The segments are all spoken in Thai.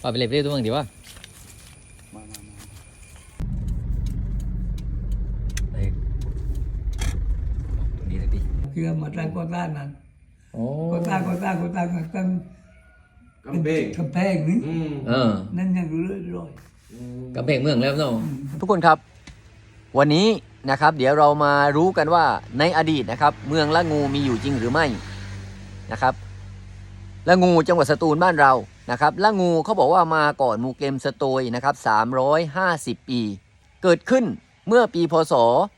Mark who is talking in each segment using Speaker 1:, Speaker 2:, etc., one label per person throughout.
Speaker 1: ป่าไปเล็บเรียกตัวมึงดีวะ
Speaker 2: มา
Speaker 1: ตัวนี้เลยพี่
Speaker 3: คือมาตั้งก่อตั้งนั้น
Speaker 1: โอ้
Speaker 3: ก่อตั้งตั้งกำแพงนี่นั่นยังเรื่อย
Speaker 1: กำแพงเมืองแล้วเนาะทุกคนครับวันนี้นะครับเดี๋ยวเรามารู้กันว่าในอดีตนะครับเมืองละงูมีอยู่จริงหรือไม่นะครับละงูจังหวัดสตูลบ้านเรานะครับละงูเขาบอกว่ามาก่อนหมู่เกมสโตยนะครับ350 ปีเกิดขึ้นเมื่อปีพศ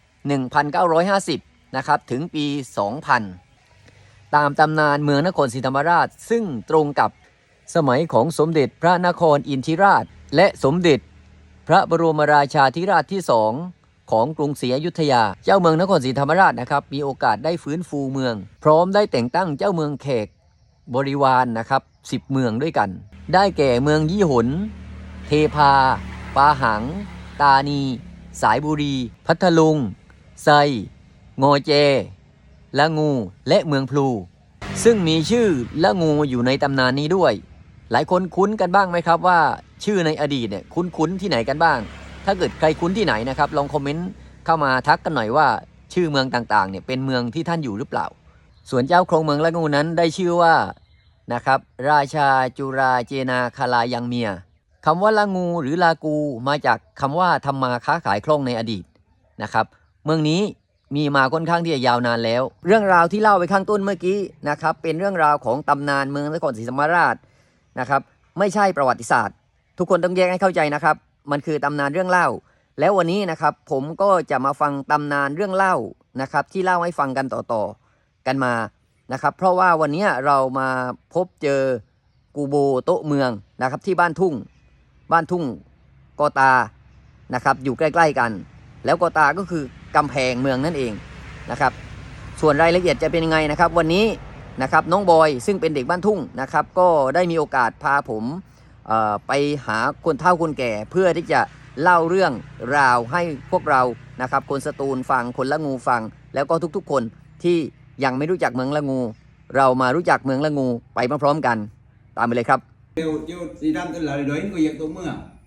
Speaker 1: 1950นะครับถึงปี 2000ตามตำนานเมืองนครศรีธรรมราชซึ่งตรงกับสมัยของสมเด็จพระนครอินทริราชและสมเด็จพระบรมราชาธิราชที่2ของกรุงศรีอยุธยาเจ้าเมืองนครศรีธรรมราชนะครับมีโอกาสได้ฟื้นฟูเมืองพร้อมได้แต่งตั้งเจ้าเมืองแขกบริวารนะครับ10เมืองด้วยกันได้แก่เมืองยี่หนเทพาปาหังตานีสายบุรีพัทลุงไซงอเจละงูและเมืองพลูซึ่งมีชื่อละงูอยู่ในตำนานนี้ด้วยหลายคนคุ้นกันบ้างไหมครับว่าชื่อในอดีตเนี่ยคุ้นที่ไหนกันบ้างถ้าเกิดใครคุ้นที่ไหนนะครับลองคอมเมนต์เข้ามาทักกันหน่อยว่าชื่อเมืองต่างๆเนี่ยเป็นเมืองที่ท่านอยู่หรือเปล่าส่วนเจ้าโครงเมืองละงูนั้นได้ชื่อว่านะครับราชาจุราเจนาคาลายังเมียคำว่าละงูหรือลากูมาจากคำว่าทำมาค้าขายคล่องในอดีตนะครับเมืองนี้มีมาค่อนข้างที่จะยาวนานแล้วเรื่องราวที่เล่าไปข้างต้นเมื่อกี้นะครับเป็นเรื่องราวของตำนานเมืองนครศรีธรรมราชนะครับไม่ใช่ประวัติศาสตร์ทุกคนต้องแยกให้เข้าใจนะครับมันคือตำนานเรื่องเล่าแล้ววันนี้นะครับผมก็จะมาฟังตำนานเรื่องเล่านะครับที่เล่าให้ฟังกันต่อๆกันมานะครับเพราะว่าวันนี้เรามาพบเจอกูโบโต๊ะเมืองนะครับที่บ้านทุ่งกอตานะครับอยู่ใกล้ๆกันแล้วกอตาก็คือกำแพงเมืองนั่นเองนะครับส่วนรายละเอียดจะเป็นยังไงนะครับวันนี้นะครับน้องบอยซึ่งเป็นเด็กบ้านทุ่งนะครับก็ได้มีโอกาสพาผมไปหาคนเฒ่าคนแก่เพื่อที่จะเล่าเรื่องราวให้พวกเรานะครับคนสตูลฟังคนละงูฟังแล้วก็ทุกๆคนที่ยังไม่รู้จักเมืองละงูเรามารู้จักเมืองละงูไปพร้อมๆกันตามไปเลยครับ
Speaker 2: Điều gì đang tên là đối người dân tổ mưa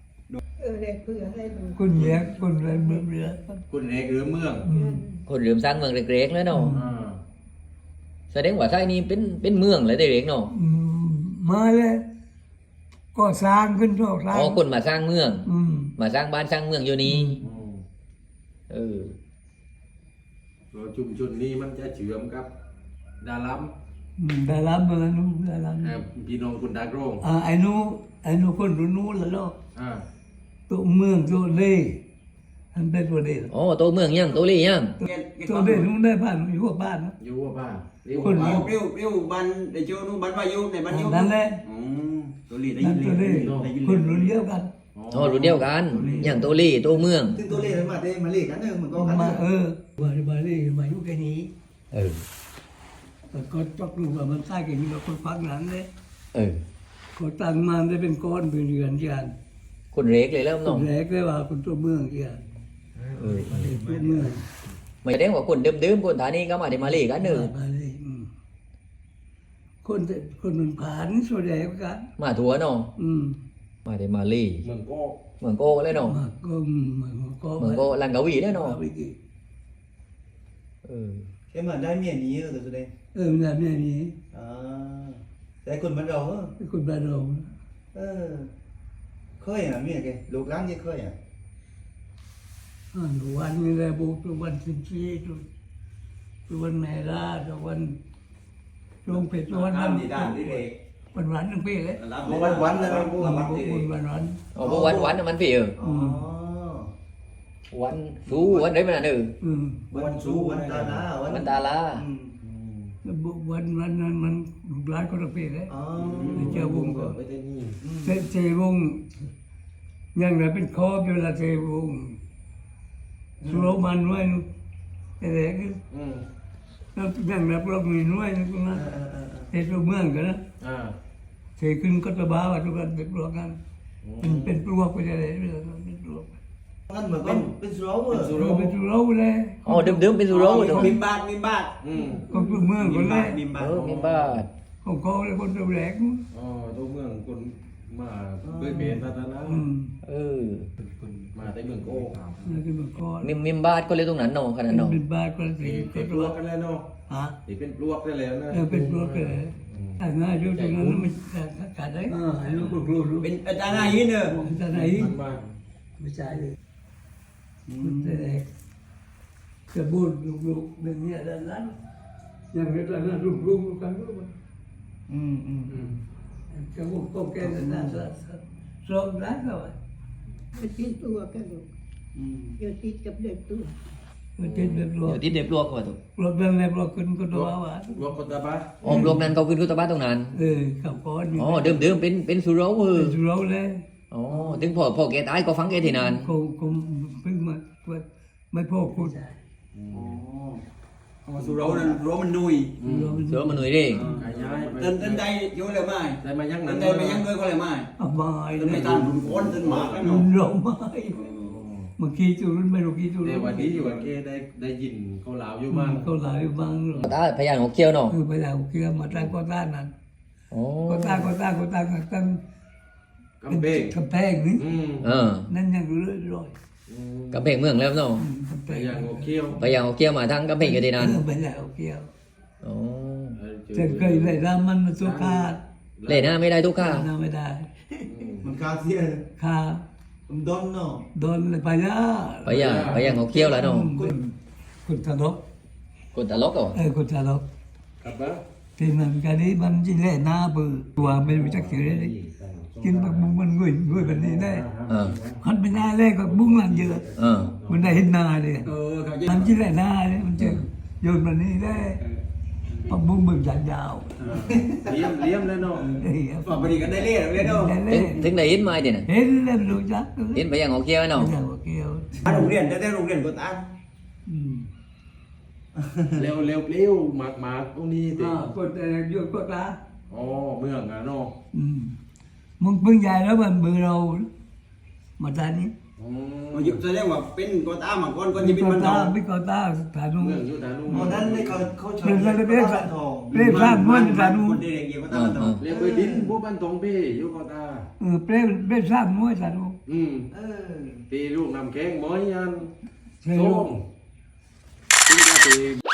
Speaker 3: คุณแยกคุณอะไรเมื่อเรือ
Speaker 2: คนเอกหรือเมือง
Speaker 1: คนลืมสร้างเมืองเล็กๆแล้วเนาะแสดงว่าไทยนี่เป็นเมืองเลยเด็กๆเนาะ
Speaker 3: มาเลยก็สร้างขึ้นโลกสร้าง
Speaker 1: คนมาสร้างเมืองมาสร้างบ้านสร้างเมืองอยู่นี้
Speaker 2: ชุมชนนี้มันจะเชื่อมกับดาลัม
Speaker 3: เมืองนู้นดาลัม
Speaker 2: พี่น้องคุณดาโกง
Speaker 3: ไอ้นู้คนนู้นแล้วเนาะตัวเมืองตัวเล่อันเป็นตัวเล่
Speaker 1: ตัวเมืองยังตัวเล่ยัง
Speaker 3: ตัวเล่นู้นได้บ้านอยู่กับบ้านนะ
Speaker 2: อยู่กับบ้านคนปิ้วบ้านเดี๋ยวโจนู้นบ้านวายุในบ้านยุ
Speaker 3: นั่นแหละ
Speaker 2: ตัวเล่ได้ยินเลย
Speaker 3: คนรุ่นเดียวกัน
Speaker 1: รุ่นเดียวกันอย่างตัวเล่ตัวเมือง
Speaker 2: ซึ่งตัวเล่มาเล่กันเหมือนกัน
Speaker 3: มามาเล่มาอยู่แค่นี้ก็จับดูว่ามันใต้กันกับคนฟังนั้นเลยก็ตั้งมาได้เป็นก้อนเป็นเรือนกัน
Speaker 1: คนเล็กเลยแล้วน้อง
Speaker 3: เล็กเลยว่าคนตัวเมืองกันตัวเมือง
Speaker 1: ไม่ได้ว่าคนเดิมๆคนฐานีก็มาได้มาเล่กันเนอะ
Speaker 3: คนมันผ่านส่วนใหญ่กัน
Speaker 1: มาทัวเนาะมาได้มาเล่
Speaker 2: เมือง
Speaker 1: โก้เลยเนาะ
Speaker 3: เมืองโก้
Speaker 1: ลังกาวีได้เนาะ
Speaker 2: cái mà đai miền gì rồi từ đây
Speaker 3: là miền gì
Speaker 2: đây con ban đầu á
Speaker 3: con ban đầu
Speaker 2: khơi à miền kìa lục láng gì khơi à
Speaker 3: đồ ăn như là bố đồ ăn xinh xí đồ ăn mè ra đồ ăn rong phết đồ ăn
Speaker 2: gì đàn đi về
Speaker 3: วันวันนึงพี่เลย
Speaker 2: วันนะพวกมัน
Speaker 3: วัน
Speaker 1: พวกวันนะมันพี่วันสู้วันđấy mà nữ
Speaker 2: วันสู้วันตาลา
Speaker 1: วันตาลา
Speaker 3: วันนั้นมันลูกหลานก็ระเบิดเลยเจ้าวงก็เจ้าวงยังไงเป็นคอบอยู่ละเจ้าวงสุโรมันไว้แต่เด็กแล้วยังไงพวกมีน้อยนะเจ้าเมืองกันนะเจ้ขึ้นก็ตะบ้าว่าทุกคนเป็นพวกกันเป็นพวกไปเลยเป็นพวก
Speaker 2: นั่นเหมือนเป็นสุโรเป็นสุโรเลย
Speaker 1: เดิมเป็นสุโร
Speaker 2: มิมบาท
Speaker 3: ก็ตัวเมืองคนแรก
Speaker 2: มิมบาท
Speaker 3: ของเขาเลยคนตัวแรก
Speaker 2: ตัวเมืองคนมาเพื่อเปลี่ยนพัฒนา
Speaker 1: เออ
Speaker 2: มาได้เมืองโก้
Speaker 3: แล้วก็มาก่อน
Speaker 1: มิมบาทก็เลยตรงนั้นเนาะขนาดเนาะ
Speaker 3: เป็นบ้านก็สิ
Speaker 2: เป็นปลวกกันแล้วเนาะ
Speaker 3: ฮะ
Speaker 2: เป็นปลวกได้แล้วนะ
Speaker 3: เป็นปลวกเลยแต่ง่ายอยู่ตรงนั้นไม่ขาดได้ลูกลูก
Speaker 4: เป็นอาจารย์นายเนอะ
Speaker 3: จะไหน
Speaker 2: มันมาก
Speaker 3: ไม่ใช่เลยคุณแต่จะบูดลูกๆเป็นเนี่ยด้านนั้นอย่างนี้ด้านนั้นลูกกันลูกจะบูดก็แก่ด้านนั้นสองด้านก็ว่า
Speaker 5: ติดตัวกันลูกเดี๋ยวติดกับเด็กตัว
Speaker 3: ติดแบบรว
Speaker 1: เดี๋ยวติดเด็บลวกก่อนถูก
Speaker 3: รถแบบแบบรถขึ้นก็ตัวว่า
Speaker 2: ปลวกกตาบ้า
Speaker 1: อ๋อลวกนั้นเขาขึ้นกุตบ้านตรงนั้น
Speaker 3: ขับก้อน
Speaker 1: อ๋อเดิมเป็นสุโรเออ
Speaker 3: เป็นเราเลย
Speaker 1: อ๋อถึงพ่อแกตายก็ฟังแกที่นาน
Speaker 3: คงเพิ่งมาไม่พอคุณ
Speaker 4: อ๋อสุเรานั้นเรามันดุย
Speaker 1: เสือมันหน่วยเด้
Speaker 2: ขยาย
Speaker 4: เต้นใดอยู่เลยไหม
Speaker 2: ได้มายัง
Speaker 4: เต้
Speaker 2: นั้น
Speaker 4: นใดมายังด้วยก็เลยไหม
Speaker 3: อบาย
Speaker 4: เต้นไม่ตามรุ่นก้นเต้นหมากแล้ว
Speaker 3: รุ
Speaker 4: เนาะ
Speaker 3: นเราไม่เมื่อกี้จูรุ่นไม่รู้กี้จู
Speaker 2: เดี๋
Speaker 3: รุ่
Speaker 2: ยวน วันนี้อยู่กับเกได้ยินเขาลาวอยู่มั่ง
Speaker 3: เขาหลายบางหรอก
Speaker 1: ตาพยานของเคี้ยวเนาะ
Speaker 3: คือไปแล้วเกี่ยวมาตั้งก็ต้านนั้น
Speaker 1: อ๋อ
Speaker 3: ก็ต้านตั้ง
Speaker 2: กำเบง
Speaker 3: กำแพงนี่
Speaker 1: เออ
Speaker 3: นั่นยังเรื่อย
Speaker 1: กำแพงเมืองแล้วเนาะ
Speaker 3: กำแพ
Speaker 2: ไป
Speaker 3: ง
Speaker 2: ยังโอเคียว
Speaker 1: พยานของเคี้ยวมาทั้งกำแพงอยู่ที่นาน
Speaker 3: ไปแล้วเกี่ยว
Speaker 1: อ๋อ
Speaker 3: จะเคยได้รามันมาสุขาด
Speaker 1: เล่นหน้าไม่ได้ทุกข้า
Speaker 3: น่าไม่ได้
Speaker 4: มันคาเซีย
Speaker 3: ค่า
Speaker 4: มันดอนเนาะ
Speaker 3: โดนไปยา
Speaker 1: พยานของเคี้ยวแล้วเนาะ
Speaker 3: คุณทะลก
Speaker 1: กดตลกเหรอ
Speaker 3: คุณทะลก
Speaker 2: กลับบ้าน
Speaker 3: ที่มันกันนี้มันยิ่งเล่หน้าเบื่อตัวไม่รู้จักเสียเลยกินผักบุ้งมันงุยแบบนี้ได้
Speaker 1: เออ
Speaker 3: หันไปหน้าแรกผักบุ้งมันเยอะ
Speaker 1: เออ
Speaker 3: มันได้เห็นหน้าเลย
Speaker 4: เขาจะ
Speaker 3: มันยิ่งเล่หน้าเลยมันจะโยนมันนี่ได้ผักบุ้งมึงยาว
Speaker 2: เลี้ยมเลยเนาะ
Speaker 3: ๆเฮ้ย
Speaker 4: ฝากบริการได้เรียกเลยเนาะ
Speaker 1: ถึงได้ยินไหมเดี๋ยวน่ะ
Speaker 3: เห็นแล้วรู้จัก
Speaker 1: ยินพยานของเคี้ยวเนาะ
Speaker 3: ไม่ใช่ว่าเกี่ยว
Speaker 4: โรงเรียนแต่โรงเรียนก็ตาม
Speaker 2: เร็วเปรี้ยวหมากตรงนี้ติ
Speaker 3: กดแต่โยนกดละ
Speaker 2: อ๋อเมืองอ่ะเนาะ
Speaker 3: มึงเพิ่งใหญ่แล้วมันมือเรามาตอนนี้
Speaker 4: มันยุบแสดงว่าเป็นก็ตามมาก่อนก็
Speaker 3: มี
Speaker 4: จะเป็น
Speaker 3: ก
Speaker 4: มัน
Speaker 3: ตา
Speaker 4: ทอง
Speaker 3: มีกตาฐานนู้
Speaker 2: เมืองอยู่ทางนู้น
Speaker 4: ตอนนั้นเขาชอบ
Speaker 3: เป็นอะไรเป็น
Speaker 4: ทอง
Speaker 3: เปรี้ยวข้ามม้วนฐานนู้
Speaker 4: คนเด็กๆก็ตามมันทอง
Speaker 2: เรียกไปดินผู้บ้านตรงพี่อยู่กตา
Speaker 3: เปรี้ยวข้ามม้วนฐานนู้
Speaker 2: ตีลูกนำแข้งหมอยยัน
Speaker 3: ใช่
Speaker 2: ส้
Speaker 3: ลูก
Speaker 2: มตีกาตี